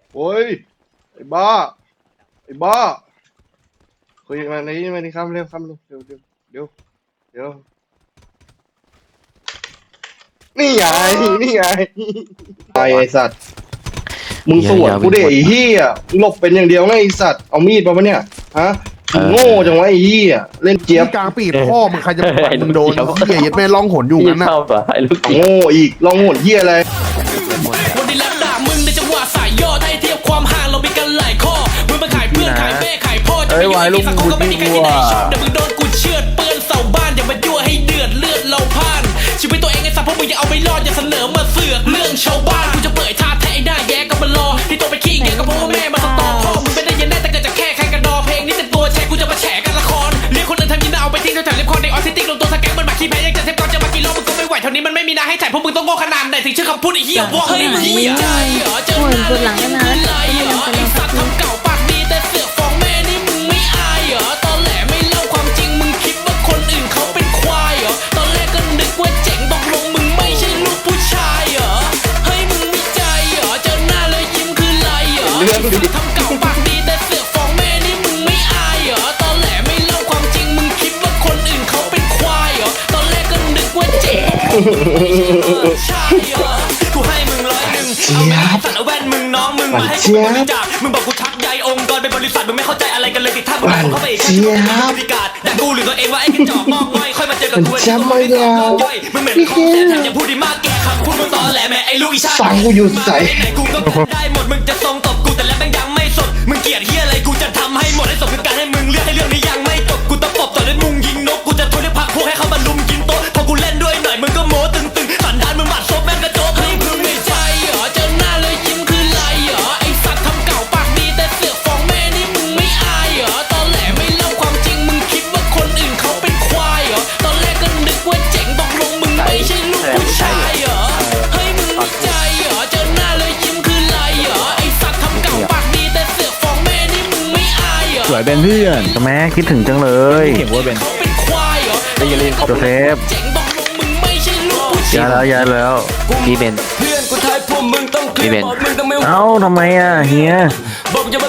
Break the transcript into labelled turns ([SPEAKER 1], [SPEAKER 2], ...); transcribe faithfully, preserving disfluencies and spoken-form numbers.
[SPEAKER 1] โอ้ยไอ้บ้าไอ้บ้าคุยมาในนี้มาในคำเร็วคำเร็วเร็วเร็วเดี๋ยวเดี๋ยวนี่ไงนี่ไงไอ้ไอ้สัตว์มึงสวนกูเด็ไอ้เหี้ยมึงหลบเป็นอย่างเดียวไงไอ้สัตว์เอามีดมาปะเนี่ยฮะมึงโง่จังวะไอ้เหี้ยเล่นเจี๊ยบ
[SPEAKER 2] กลางปีดพ่อมึงใครจะปล่อยมึงโดนเหี้ยยัดแม่ร้องหนอยู่งั้นนะ
[SPEAKER 3] ชอบอ่ะไอ้ลูก
[SPEAKER 1] โง่อีกลองโหดเหี้ยอะไร
[SPEAKER 4] วันนี้แลบด่ามึงในจังหวะสายย่อให้เทียบความห่างเรามีกันหลายข้อมึงมาขายเพื่อนขายแม่ขายพ่อจะไปอยู่ที่สังคมก็ไม่มีใครที่ไหนชอบเดี๋ยวมึงโดนกูเชือดเปื้อนเสาบ้านอย่ามายั่วให้เดือดเลือดเราพานชีวิตตัวเองไอ้สัตว์พวกมึงยังเอาไม่รอดอย่าเสนอมาเสือกเรื่องชาวบ้านกูจะเปิดท่าแท้ไอ้หน้าแย่ก็มารอที่ตัวไปขี้แย่ก็เพราะว่าแม่มาสตอพ่อมึงไม่ได้ยันแน่แต่เกิดจากแค่ใครกันดอเพลงนี้เต็มตัวแชร์กูจะมาแฉกันละครเรียกคนอื่นทำยินเอาไปทิ้งแถวๆเล็บคอในออทิสติกลงตัวสแกนมันมาขี้แพ้ยังจะเทปก่อนจะมากี่รอบมึงก็ไม่ไหวเท่านี้มันไม่มีนาให้ถ่ายพวกมึงต้องโง่ขนาดไหนถึงชื่อคำพูดไอ้เหี้ยวอเฮ้ยมึงไม่ใจเหรอเจอหน้าเลยยิ้มคือไรเหรอไอ้สัตว์ทำเก่าปากดีแต่เสือกฟ้องแม่นี่มึงไม่อายเหรอตอนแหลไม่เล่าความจริงมึงคิดว่าคนอื่นเขาเป็นควายเหรอตอนแรกก็นึกว่าเจ๋งตกลงมึงไม่ใช่ลูกผู้ชายเหรอเฮ้ยมึงไม่ใจเหรอเจอหน้าเลยยิ้มคือไรเหรอไอ้สัตว์ทำเก่าปากดีแต่เสือกฟ้องแม่นี่มึงไม่อายเหรอตอนแหลไม่เล่าความจริงมึงคิดว่าคนอื่นเขาเป็นควายเหรอตอนแรกก็นึกว่าเจ๋งใช่เหรอกูให้มึงร้อยหนึ่งเอาแม่สัตว์เอาแว่นมึงน้องมึงมาให้กูบริจาคมึงบอกกูชักใยองค์กรเป็นบริษัทมึงไม่เข้าใจอะไรกันเลยติดท่ามึงเข้าไปอีกแค่ที่มึงเป็นบริการแต่กูหรือตัวเองว่าไอ้กระจอกงอกง่อยค่อยมาเจอกับกูไอ้ตัวไม่ได้ย่อยมึงเหม็นของแถมแถมยังพูดดีมากแกคำพูดมึงตอแหลแม่ไอ้ลูกอีชา
[SPEAKER 1] ฟังกูอยู่ใส่
[SPEAKER 4] ไหนกูก็ได้หมดมึงจะทรงตบกูแต่แล้วแม่งยังไม่สดมึงเกลียดเฮียอะไรกูจะทำให้หมดให้สมคือการให้มึงเลือกให้เรื่องนี้ยังไม่จบกูตะปบต่อด้วยมุงยิงนกกูจะโทรเรียกพักพวกให้เขามาลุมกินโต๊ะพอกูเล่นด้วยหน่อยมึงก็โม้ตึงตึงสันดานมึงหมัดซบแม่งกระโจกให้มึงไม่ใจเหรอเจอหน้าเลยยิ้มคือไรเหรอไอสัตว์ทำเก่าปากดีแต่เสือกฟ้องแม่นี่มึงไม่อายเหรอตอนแหลไม่เล่าความจริงมึงคิดว่าคนอื่นเขาเป็นควายเหรอตอนแรกก็นึกว่าเจ๋งตกลงมึงไม่ใช่ลูกผู้ชายเหรอเฮ้ยมึงไม่ใจเหรอเจอหน้าเลยยิ้มคือไรเหรอไอสัตว์ทำเก่าปากดีแต่เสือกฟ้องแม่นี่มึงไม่อายเหรอ
[SPEAKER 2] สวยเป็นเพื่อนแม่คิดถึงจังเลยเห็นว่าเป็น
[SPEAKER 4] เขาเป็นควายเหรอ
[SPEAKER 2] โจเซฟ
[SPEAKER 4] เจ๋งตกลงมึงไม่ใช่ลูกผู้ชาย
[SPEAKER 2] ย้ายแล้วย้ายแล้ว
[SPEAKER 3] พี่เบน
[SPEAKER 4] เพื่อนกูทายพวกมึงต้องเคลียร์บอกมึงต้องไม่
[SPEAKER 2] เอ้าทำไมอ่ะเฮีย
[SPEAKER 4] บอกจะ